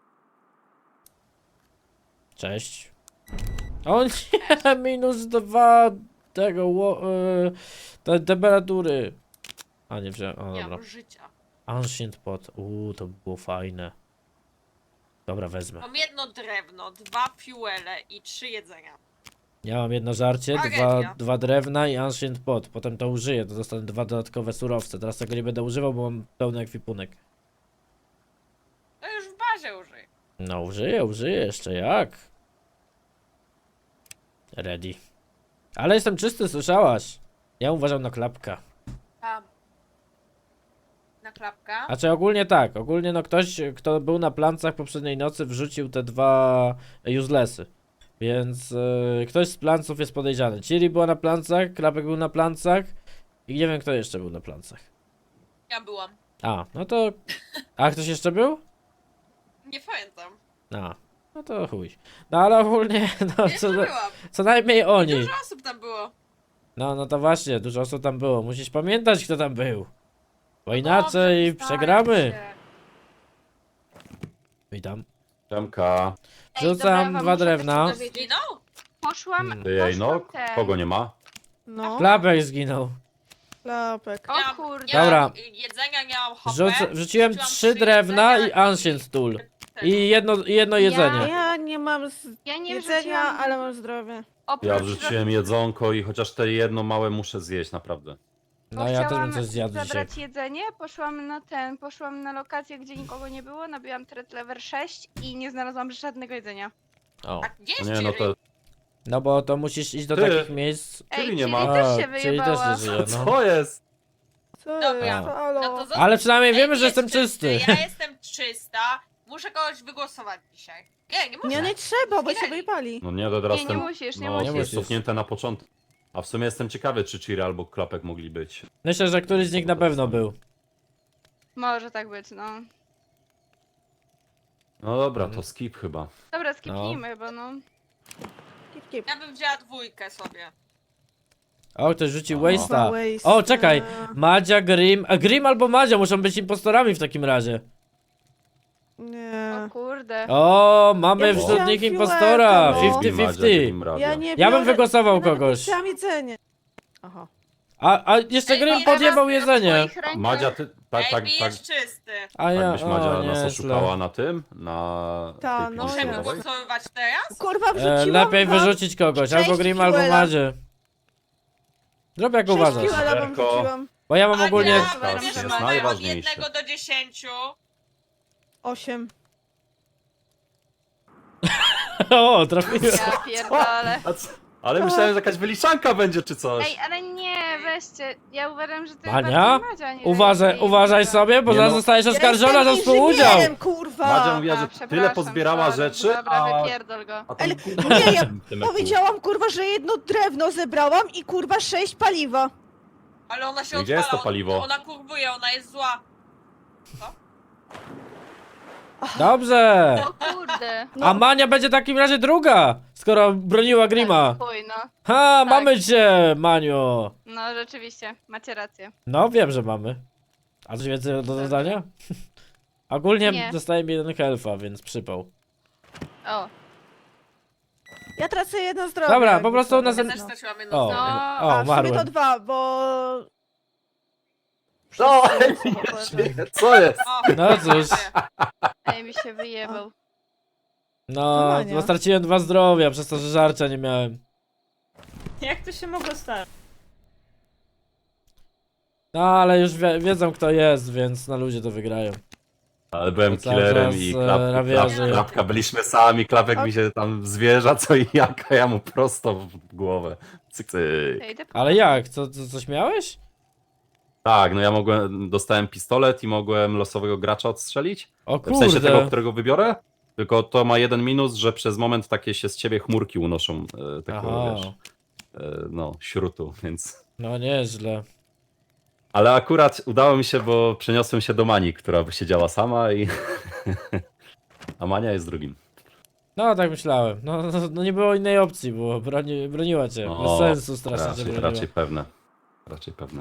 Speaker 1: Cześć. O nie, -2 tego, te temperatury. A nie wziąłem, o
Speaker 6: Nie
Speaker 1: dobra.
Speaker 6: mam życia.
Speaker 1: Ancient pot, to by było fajne. Dobra, wezmę.
Speaker 6: Mam jedno drewno, 2 fuele i 3 jedzenia.
Speaker 1: Ja mam jedno żarcie,
Speaker 6: Tragedia.
Speaker 1: dwa drewna i ancient pot. Potem to użyję, to dostanę 2 dodatkowe surowce. Teraz tego nie będę używał, bo mam pełny ekwipunek.
Speaker 6: To już w bazie użyj.
Speaker 1: No użyję jeszcze jak. Ready. Ale jestem czysty, słyszałaś? Ja uważam na klapka.
Speaker 6: Tam. Na klapka.
Speaker 1: A czy ogólnie tak, ogólnie no ktoś, kto był na plancach poprzedniej nocy wrzucił te 2 uselessy. Więc ktoś z planców jest podejrzany. Ciri była na plancach, Klapek był na plancach i nie wiem kto jeszcze był na plancach.
Speaker 6: Ja byłam.
Speaker 1: A, no to... A ktoś jeszcze był?
Speaker 6: Nie pamiętam.
Speaker 1: A, no to chuj. No ale ogólnie, no
Speaker 6: Jeszcze byłam.
Speaker 1: co najmniej oni.
Speaker 6: Dużo osób tam było.
Speaker 1: No to właśnie, dużo osób tam było. Musisz pamiętać kto tam był. Bo inaczej
Speaker 6: Dobrze,
Speaker 1: przegramy.
Speaker 6: postaraj się.
Speaker 1: Witam.
Speaker 7: Siemka.
Speaker 4: Ej,
Speaker 1: Rzucam
Speaker 4: dobra, wam
Speaker 1: 2
Speaker 4: muszę
Speaker 1: drewna.
Speaker 4: coś powiedzieć.
Speaker 6: Zginął?
Speaker 4: Poszłam,
Speaker 7: Ty jej
Speaker 4: poszłam
Speaker 7: no?
Speaker 4: ten.
Speaker 7: Kogo nie ma?
Speaker 2: No.
Speaker 1: Klapek zginął.
Speaker 2: Klapek.
Speaker 4: O kurde.
Speaker 6: Nie
Speaker 1: Dobra.
Speaker 6: mam jedzenia, nie mam HP.
Speaker 1: Wrzuciłem
Speaker 6: Wrzuciłam
Speaker 1: 3 drewna i
Speaker 6: jedzenia
Speaker 1: ancient tool.
Speaker 6: tego.
Speaker 1: I jedno jedzenie.
Speaker 2: Ja nie mam
Speaker 4: Ja nie
Speaker 2: jedzenia,
Speaker 4: wrzuciłam,
Speaker 2: ale mam zdrowie.
Speaker 4: oprócz
Speaker 7: Ja wrzuciłem jedzonko i chociaż te jedno małe muszę zjeść, naprawdę.
Speaker 1: No
Speaker 4: Bo
Speaker 1: ja też bym
Speaker 4: chciałam
Speaker 1: coś zjadł dzisiaj.
Speaker 4: zabrać jedzenie, poszłam na lokację, gdzie nikogo nie było, nabiłam threat level 6 i nie znalazłam żadnego jedzenia.
Speaker 1: O.
Speaker 6: A gdzie jest
Speaker 7: Nie no to...
Speaker 1: No bo to musisz iść do
Speaker 7: Ty.
Speaker 1: takich miejsc.
Speaker 7: Czyli
Speaker 4: Ej,
Speaker 7: nie
Speaker 4: czyli
Speaker 7: ma.
Speaker 4: też
Speaker 1: A,
Speaker 4: się
Speaker 1: czyli też
Speaker 4: wyjebała.
Speaker 1: nie żyje, no.
Speaker 7: Co jest?
Speaker 2: Co
Speaker 6: Dobra.
Speaker 2: jest? Halo?
Speaker 6: No to zostaw-
Speaker 1: Ale przynajmniej wiemy,
Speaker 6: Ej,
Speaker 1: że
Speaker 6: jest
Speaker 1: jestem czysty.
Speaker 6: Ja jestem czysta. Muszę kogoś wygłosować dzisiaj. Nie
Speaker 2: Nie,
Speaker 6: muszę.
Speaker 2: nie trzeba, bo się
Speaker 6: Chwilę.
Speaker 2: wyjebali.
Speaker 7: No nie, to teraz
Speaker 4: Nie, nie
Speaker 7: ten...
Speaker 4: musisz, nie
Speaker 7: no,
Speaker 4: musisz.
Speaker 7: jest
Speaker 1: musisz.
Speaker 7: cofnięte na początek. A w sumie jestem ciekawy, czy Chiri albo Klapek mogli być.
Speaker 1: Myślę, że któryś z nich na pewno był.
Speaker 4: Może tak być, no.
Speaker 7: No dobra, to skip chyba.
Speaker 4: Dobra, skipnijmy, bo no.
Speaker 2: Kip, kip.
Speaker 6: Ja bym wzięła 2 sobie.
Speaker 1: O, ktoś rzucił
Speaker 7: O.
Speaker 1: waste'a.
Speaker 2: Waste.
Speaker 1: O, czekaj. Madzia, Grim. A Grim albo Madzia muszą być impostorami w takim razie.
Speaker 2: Nie.
Speaker 4: O kurde.
Speaker 1: O, mamy
Speaker 2: Ja
Speaker 1: wśród
Speaker 2: wziąłem
Speaker 1: nich
Speaker 2: Fiueta,
Speaker 1: impostora.
Speaker 2: no.
Speaker 7: Madzia,
Speaker 1: 50-50.
Speaker 7: Grim, Rabia.
Speaker 2: Ja nie
Speaker 1: Ja
Speaker 2: biorę...
Speaker 1: bym wygłosował
Speaker 2: ja nawet
Speaker 1: kogoś.
Speaker 2: nie chciałam jedzenie. Aha.
Speaker 1: A jeszcze
Speaker 6: Ej,
Speaker 1: Grim
Speaker 6: nie,
Speaker 1: podjebał
Speaker 6: na
Speaker 1: jedzenie.
Speaker 4: W swoich rękach.
Speaker 7: Madzia, ty... Tak,
Speaker 6: Ej,
Speaker 7: tak,
Speaker 6: tak,
Speaker 7: tak.
Speaker 6: jest czysty.
Speaker 1: A ja,
Speaker 7: Tak byś Madzia
Speaker 1: o,
Speaker 7: nas
Speaker 1: nie,
Speaker 7: oszukała na tym? Na
Speaker 2: Ta,
Speaker 7: tej
Speaker 2: no
Speaker 6: Muszę
Speaker 2: jasne.
Speaker 7: pięćdziesiątowej?
Speaker 6: głosować teraz?
Speaker 2: Kurwa, wrzuciłam
Speaker 1: Lepiej
Speaker 2: wam
Speaker 1: wyrzucić kogoś, albo
Speaker 2: 6
Speaker 1: Grim, albo
Speaker 2: fuela.
Speaker 1: Madzie. Zrób jak
Speaker 2: 6
Speaker 1: uważasz.
Speaker 2: fuela wam
Speaker 7: Berko.
Speaker 2: wrzuciłam.
Speaker 1: Bo ja mam
Speaker 6: A
Speaker 1: ogólnie...
Speaker 6: ja
Speaker 4: uważam,
Speaker 6: będę
Speaker 4: że
Speaker 6: że
Speaker 7: jest
Speaker 6: od
Speaker 7: najważniejsze.
Speaker 6: 1 do 10.
Speaker 2: 8.
Speaker 1: O, trafiłem.
Speaker 4: Ja pierdolę.
Speaker 7: Ale myślałem, że jakaś wyliczanka będzie czy coś.
Speaker 4: Ej, ale nie, weźcie. Ja uważam, że to jest
Speaker 1: Ania?
Speaker 4: bardziej Madzia, nie
Speaker 1: Uważaj sobie, bo
Speaker 7: Nie
Speaker 1: zaraz
Speaker 7: no.
Speaker 1: zostajesz
Speaker 2: Ja
Speaker 1: oskarżona za
Speaker 2: jestem
Speaker 1: współudział.
Speaker 2: inżynierem, kurwa!
Speaker 7: Madzia mówiła, że
Speaker 4: przepraszam,
Speaker 7: tyle pozbierała
Speaker 4: sorry.
Speaker 7: rzeczy,
Speaker 4: Dobra,
Speaker 7: a...
Speaker 4: wypierdol go.
Speaker 7: a ten
Speaker 2: Ale
Speaker 7: kurwa
Speaker 2: nie, ja
Speaker 7: w tym eku.
Speaker 2: powiedziałam, kurwa, że jedno drewno zebrałam i kurwa 6 paliwa.
Speaker 6: Ale ona się
Speaker 7: Gdzie jest to
Speaker 6: odpala,
Speaker 7: paliwo?
Speaker 6: Ona kurbuje, ona jest zła.
Speaker 1: Dobrze.
Speaker 4: O kurde.
Speaker 1: A Mania będzie w takim razie druga, skoro broniła Grima.
Speaker 4: Chuj, no.
Speaker 1: Ha, mamy cię, Maniu.
Speaker 4: No, rzeczywiście, macie rację.
Speaker 1: No, wiem, że mamy. A coś więcej do dodania? Ogólnie
Speaker 4: Nie.
Speaker 1: dostajemy 1 health'a, więc przypał.
Speaker 4: O,
Speaker 2: Ja tracę jedno zdrowie.
Speaker 1: Dobra,
Speaker 2: jakby
Speaker 1: po prostu
Speaker 2: co.
Speaker 1: na
Speaker 6: Ja
Speaker 1: sen-
Speaker 6: też straciłam jedno
Speaker 1: O,
Speaker 6: zdrowie.
Speaker 4: No,
Speaker 1: o,
Speaker 2: A w sumie to
Speaker 1: umarłem.
Speaker 2: 2, bo...
Speaker 7: No, co jest?
Speaker 6: O,
Speaker 1: No cóż.
Speaker 4: ej, mi się wyjebał.
Speaker 1: No,
Speaker 2: Mania.
Speaker 1: bo straciłem 2 zdrowia, przez to, że żarcia nie miałem.
Speaker 3: Jak to się mogło stać?
Speaker 1: No, ale już wiedzą kto jest, więc na ludzie to wygrają.
Speaker 7: Ale byłem
Speaker 1: Cały
Speaker 7: killerem
Speaker 1: czas,
Speaker 7: i
Speaker 1: rabiarzy.
Speaker 7: klapka byliśmy sami, Klapek mi się tam zwierza co i jak, a ja mu prosto w głowę. Cyk, cyk.
Speaker 4: Ej, idę po...
Speaker 1: Ale jak? Coś miałeś?
Speaker 7: Tak, no ja dostałem pistolet i mogłem losowego gracza odstrzelić.
Speaker 1: O
Speaker 7: W sensie tego,
Speaker 1: kurde.
Speaker 7: którego wybiorę. Tylko to ma jeden minus, że przez moment takie się z ciebie chmurki unoszą. Takiego,
Speaker 1: Aha.
Speaker 7: wiesz, no, śrutu, więc...
Speaker 1: No nieźle.
Speaker 7: Ale akurat udało mi się, bo przeniosłem się do Mani, która by siedziała sama i... A Mania jest drugim.
Speaker 1: No tak myślałem. No nie było innej opcji, bo broniła cię. Bez
Speaker 7: No,
Speaker 1: sensu strasznie cię broniła.
Speaker 7: raczej pewne. Raczej pewne.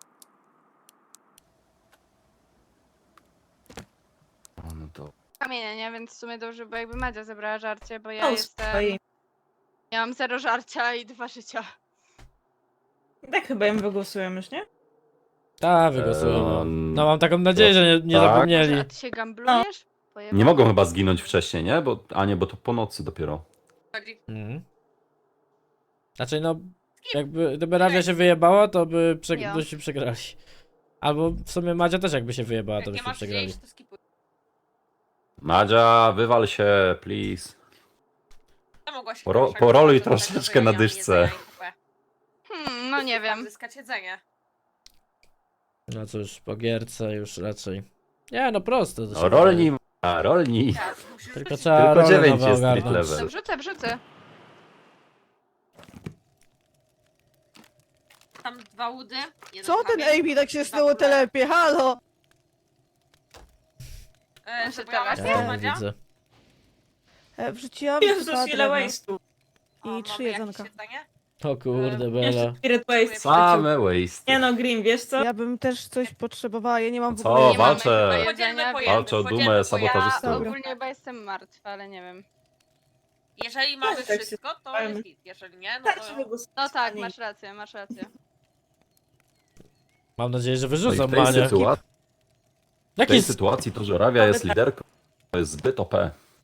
Speaker 7: O, no to...
Speaker 4: Kamienia, nie? Więc w sumie dobrze, bo jakby Madzia zebrała żarcie, bo ja
Speaker 3: No,
Speaker 4: jestem...
Speaker 3: spokojnie.
Speaker 4: Ja mam 0 żarcia i 2 życia.
Speaker 3: Tak chyba im wygłosujemy już, nie?
Speaker 1: Tak, wygłosujemy.
Speaker 7: Em,
Speaker 1: No mam taką nadzieję, że nie
Speaker 7: tak.
Speaker 1: zapomnieli.
Speaker 4: A ty się gamblujesz?
Speaker 7: Nie mogą chyba zginąć wcześniej, nie? Bo to po nocy dopiero.
Speaker 1: Mhm. Znaczy no, gdyby Rawia się wyjebała, to by
Speaker 4: Ja.
Speaker 1: byście przegrali. Albo w sumie Madzia też jakby się wyjebała, to
Speaker 6: Jak nie
Speaker 1: byśmy
Speaker 6: masz
Speaker 1: przegrali.
Speaker 6: gdzieś, to skipuj.
Speaker 7: Madzia, wywal się, please.
Speaker 6: To mogłaś
Speaker 7: Poroluj
Speaker 6: do tego
Speaker 7: troszeczkę na
Speaker 6: wyjęcia
Speaker 7: dyszce.
Speaker 6: jedzenia i kupę.
Speaker 4: No nie wiem.
Speaker 6: Zyskać jedzenie.
Speaker 1: No cóż, po gierce już raczej. Nie, no proste. to się
Speaker 7: No rolni, rolni.
Speaker 6: Tak, musisz
Speaker 1: Tylko
Speaker 6: być-
Speaker 1: trzeba
Speaker 7: Tylko
Speaker 1: rolę
Speaker 7: 9
Speaker 1: nowe
Speaker 7: jest
Speaker 1: ogarnąć.
Speaker 7: street level.
Speaker 4: Wrzucę.
Speaker 6: Tam 2 łudy. jeden
Speaker 2: Co ten
Speaker 6: kamień,
Speaker 2: AB tak się z
Speaker 6: 2
Speaker 2: tyłu
Speaker 6: kule.
Speaker 2: telepie? Halo!
Speaker 6: Zebrałaś
Speaker 4: teraz?
Speaker 6: to,
Speaker 1: Ja
Speaker 6: Madzia?
Speaker 1: widzę.
Speaker 2: Wrzuciłam dwa
Speaker 3: Jezus, ile
Speaker 2: drewna
Speaker 3: waste'u.
Speaker 6: O,
Speaker 2: i
Speaker 6: mamy
Speaker 2: 3
Speaker 6: jakieś
Speaker 2: jedzonka.
Speaker 6: jedzenie?
Speaker 1: O kurde, Bela.
Speaker 3: Jeszcze Spirit Waste.
Speaker 7: Same waste.
Speaker 3: Nie no, Grim, wiesz co?
Speaker 2: Ja bym też coś potrzebowała, ja nie mam w
Speaker 7: Co?
Speaker 2: ogóle...
Speaker 4: Nie mamy
Speaker 7: walczę.
Speaker 4: chyba
Speaker 6: Podzielmy
Speaker 4: jedzenia,
Speaker 6: po
Speaker 4: więc-
Speaker 6: jednym,
Speaker 7: Walczę o
Speaker 6: podzielmy
Speaker 7: dumę
Speaker 6: po
Speaker 7: sabotażystów.
Speaker 6: jednym.
Speaker 4: Ogólnie chyba jestem martwa, ale nie wiem.
Speaker 6: Jeżeli mamy
Speaker 3: Tak, tak się
Speaker 6: wszystko, to
Speaker 3: spałem.
Speaker 6: jest git. Jeżeli nie, no
Speaker 3: Tak,
Speaker 6: to...
Speaker 3: czy wygłosujemy?
Speaker 4: No tak, masz rację.
Speaker 1: Mam nadzieję, że
Speaker 7: No i
Speaker 1: wyrzucą
Speaker 7: w tej,
Speaker 1: Manię.
Speaker 7: w
Speaker 1: Jaki
Speaker 7: tej
Speaker 1: jest...
Speaker 7: sytuacji to, że Rawia jest liderką, to jest zbyt OP.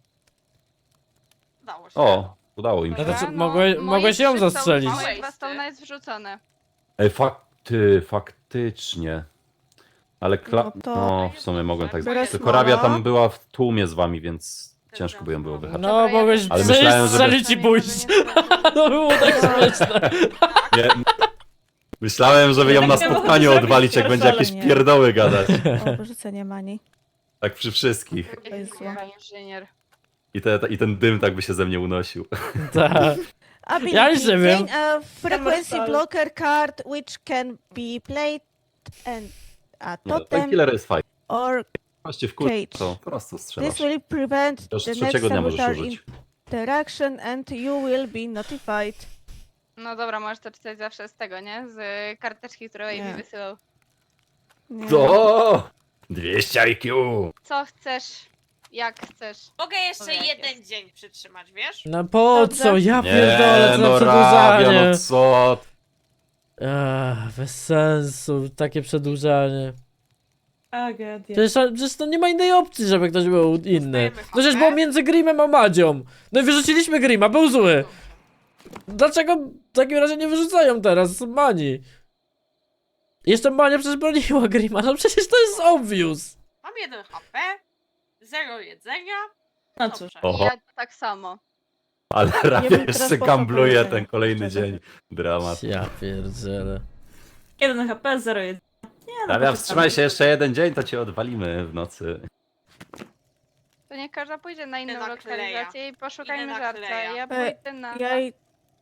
Speaker 6: Udało się.
Speaker 7: O, udało im
Speaker 1: No
Speaker 7: się.
Speaker 1: to
Speaker 4: Dobra,
Speaker 1: co,
Speaker 4: no,
Speaker 1: mogłeś
Speaker 4: moje
Speaker 1: ją
Speaker 4: 3 są-
Speaker 1: zastrzelić.
Speaker 4: Moje 2 stone jest wrzucone.
Speaker 7: Ej, faktycznie. Ale
Speaker 2: No to-
Speaker 7: no, w sumie mogłem tak
Speaker 2: Biorę
Speaker 7: zrobić. Tylko Rawia
Speaker 2: smoła.
Speaker 7: tam była w tłumie z wami, więc ciężko by ją było wyhaczyć.
Speaker 1: No,
Speaker 4: Dobra, ja
Speaker 1: mogłeś
Speaker 4: też.
Speaker 7: Ale myślałem, żeby-
Speaker 1: strzelić i pójść. To było tak śmieszne.
Speaker 7: Nie, myślałem, żeby ją na
Speaker 3: Tak nie mogę
Speaker 7: spotkaniu
Speaker 3: zrobić
Speaker 7: odwalić, jak będzie jakieś
Speaker 2: nie.
Speaker 7: pierdoły gadać.
Speaker 2: O, wyrzucenie Mani.
Speaker 7: Tak przy wszystkich.
Speaker 2: To jest złe.
Speaker 4: Inżynier.
Speaker 7: I ten dym tak by się ze mnie unosił.
Speaker 1: Tak.
Speaker 2: Ability.
Speaker 1: Ja już nie wiem.
Speaker 2: Gain a frequency
Speaker 3: Masz
Speaker 2: blocker card which can be played and a
Speaker 7: No,
Speaker 2: totem
Speaker 7: ten killer jest fajny.
Speaker 2: or
Speaker 7: Właśnie w kurę
Speaker 2: cage.
Speaker 7: to po prostu strzelasz.
Speaker 2: This will prevent
Speaker 7: Już
Speaker 2: the next
Speaker 7: trzeciego dnia możesz
Speaker 2: sabotage
Speaker 7: użyć.
Speaker 2: interaction and you will be notified.
Speaker 4: No dobra, możesz to czytać zawsze z tego, nie? Z karteczki, którą
Speaker 2: Nie.
Speaker 4: mi wysyłał.
Speaker 2: Nie.
Speaker 7: Co? 200 IQ!
Speaker 4: Co chcesz, jak chcesz.
Speaker 6: Mogę jeszcze
Speaker 4: Jak
Speaker 6: jeden
Speaker 4: jest.
Speaker 6: dzień przytrzymać, wiesz?
Speaker 1: No po
Speaker 2: Dobrze.
Speaker 1: co? Ja pierdolę,
Speaker 7: Nie,
Speaker 1: co
Speaker 7: no
Speaker 1: za
Speaker 7: Rawia,
Speaker 1: przedłużanie.
Speaker 7: no co?
Speaker 1: Bez sensu, takie przedłużanie.
Speaker 3: Tragedia.
Speaker 1: Przecież to nie ma innej opcji, żeby ktoś był inny.
Speaker 6: Dostajemy
Speaker 1: Przecież
Speaker 6: HP.
Speaker 1: było między Grimem a Madzią. No i wyrzuciliśmy Grima, był zły. Dlaczego w takim razie nie wyrzucają teraz Mani? Jeszcze Mania przecież broniła Grima, no przecież to jest obvious.
Speaker 6: Mam 1 HP, 0 jedzenia.
Speaker 3: No cóż.
Speaker 6: Dobrze.
Speaker 4: I
Speaker 7: Oho,
Speaker 4: ja tak samo.
Speaker 7: ale Rawia
Speaker 2: bym teraz
Speaker 7: jeszcze
Speaker 2: poszła
Speaker 7: gambluje
Speaker 2: po
Speaker 7: ten kolejny
Speaker 2: jedzenie.
Speaker 7: dzień. Dramat.
Speaker 1: Ja pierdzielę.
Speaker 3: 1 HP, 0 jedzenia. Nie no,
Speaker 7: Rawia,
Speaker 3: poczekamy.
Speaker 7: wstrzymaj się jeszcze jeden dzień, to cię odwalimy w nocy.
Speaker 4: To niech każda pójdzie na inną
Speaker 6: Idę na kleja.
Speaker 4: lokalizację i poszukajmy
Speaker 6: Idę na
Speaker 4: żarcia.
Speaker 6: kleja.
Speaker 4: Ja
Speaker 2: Ej,
Speaker 4: pójdę na...
Speaker 2: Ja i...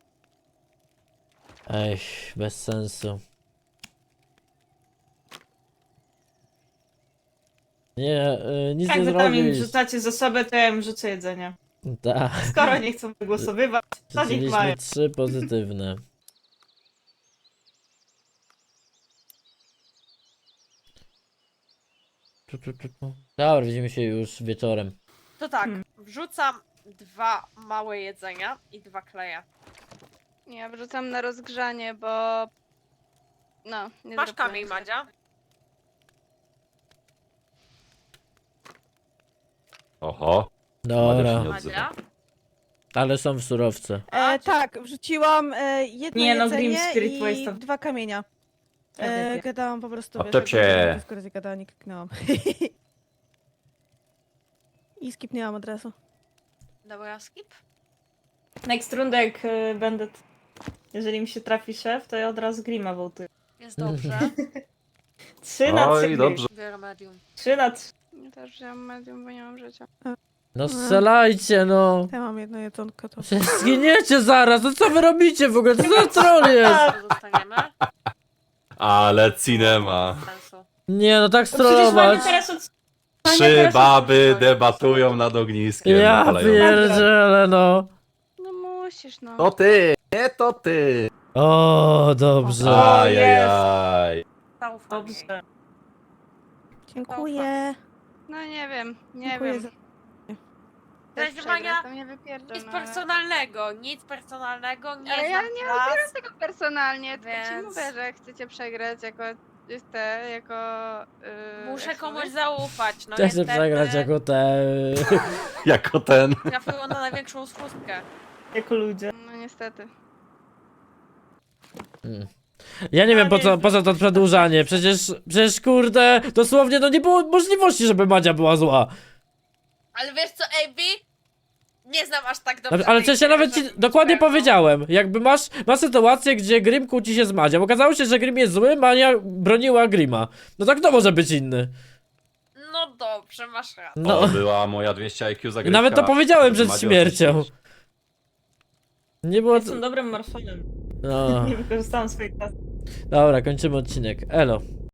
Speaker 1: Ej, bez sensu. Nie, nic
Speaker 3: Jak
Speaker 1: nie
Speaker 3: wy tam im
Speaker 1: zrobisz.
Speaker 3: wrzucacie zasoby, to ja im rzucę jedzenie.
Speaker 1: Tak.
Speaker 3: Skoro nie chcą wygłosowywać, to niech mają.
Speaker 1: Wrzuciliśmy 3 pozytywne. Dobra, widzimy się już wieczorem.
Speaker 6: To tak,
Speaker 3: Hmm.
Speaker 6: wrzucam 2 małe jedzenia i 2 kleje.
Speaker 4: Ja wrzucam na rozgrzanie, bo... No, nie
Speaker 6: Masz
Speaker 4: zrobiłem
Speaker 6: kamień,
Speaker 4: tego.
Speaker 6: Madzia?
Speaker 7: Oho, Madzia się
Speaker 1: Dobra,
Speaker 7: nie odzywa.
Speaker 6: Madzia?
Speaker 1: ale są w surowce.
Speaker 2: tak, wrzuciłam jedno
Speaker 3: Nie, no, Grim
Speaker 2: jedzenie
Speaker 3: Spirit
Speaker 2: i
Speaker 3: Waste'a.
Speaker 2: 2 kamienia.
Speaker 3: Tragedia.
Speaker 2: Gadałam po prostu,
Speaker 7: Odczep się.
Speaker 2: jak skoro gadała, nie kliknęłam. I skipnęłam od razu.
Speaker 6: Dobra, skip.
Speaker 3: Next rundę jak będę... Jeżeli mi się trafi szef, to ja od razu Grima wołtuję.
Speaker 6: Jest dobrze.
Speaker 3: 3 na 3.
Speaker 7: Oj, dobrze.
Speaker 6: Biorę medium.
Speaker 3: 3 na 3.
Speaker 4: Ja też wziąłem medium, bo nie mam życia.
Speaker 1: No strzelajcie, no.
Speaker 2: Ja mam jedno jedzonko, to...
Speaker 1: Się zginiecie zaraz, no co wy robicie w ogóle? Co za troll jest?
Speaker 6: Co dostaniemy?
Speaker 7: Ale cinema.
Speaker 6: Sensu.
Speaker 1: Nie, no tak
Speaker 3: Przecież Wania
Speaker 1: strollować.
Speaker 3: teraz od...
Speaker 7: Trzy baby debatują nad ogniskiem.
Speaker 1: Ja
Speaker 7: napalającym.
Speaker 1: pierdzielę, no.
Speaker 4: No musisz, no.
Speaker 7: To ty, nie to ty.
Speaker 1: O, dobrze.
Speaker 3: O,
Speaker 7: Ajajaj.
Speaker 6: Zaufam jej.
Speaker 3: Dobrze.
Speaker 2: Dziękuję.
Speaker 4: No nie wiem, nie
Speaker 2: Dziękuję
Speaker 4: wiem.
Speaker 2: za...
Speaker 4: Też
Speaker 6: Cześć,
Speaker 4: przegrać,
Speaker 6: Wania.
Speaker 4: to mnie wypierdol,
Speaker 6: Nic
Speaker 4: no, ale-
Speaker 6: personalnego, nic personalnego, nie
Speaker 4: Ale ja
Speaker 6: znam
Speaker 4: nie
Speaker 6: klas.
Speaker 4: odbieram tego personalnie, tylko ci
Speaker 6: więc-
Speaker 4: mówię, że chcecie przegrać jako jako...
Speaker 6: Muszę
Speaker 4: jak to
Speaker 6: komuś
Speaker 4: mówię?
Speaker 6: zaufać, no
Speaker 1: Chcę się
Speaker 6: niestety
Speaker 1: przegrać jako te...
Speaker 7: Jako ten.
Speaker 6: trafiło na największą szóstkę.
Speaker 3: Jako ludzie.
Speaker 4: No niestety.
Speaker 1: Ja nie wiem po co to przedłużanie, przecież kurde, dosłownie no nie było możliwości, żeby Madzia była zła.
Speaker 6: Ale wiesz co, AB? Nie znam aż tak dobrze.
Speaker 1: Ale
Speaker 6: tej
Speaker 1: przecież ja
Speaker 6: gry,
Speaker 1: nawet ci
Speaker 6: żeby być
Speaker 1: dokładnie
Speaker 6: pewną.
Speaker 1: powiedziałem, jakby masz sytuację, gdzie Grim kłóci się z Madzią, okazało się, że Grim jest zły, Mania broniła Grima. No tak to może być inny.
Speaker 6: No dobrze, masz rację.
Speaker 1: No,
Speaker 7: To była moja 200 IQ
Speaker 1: i
Speaker 7: zagrywka.
Speaker 1: nawet to powiedziałem przed
Speaker 7: Madziu,
Speaker 1: śmiercią.
Speaker 7: oczywiście.
Speaker 1: Nie było...
Speaker 3: Jestem dobrym marszalem.
Speaker 1: No,
Speaker 3: Nie wykorzystałam swojej klasy.
Speaker 1: dobra, kończymy odcinek. Elo.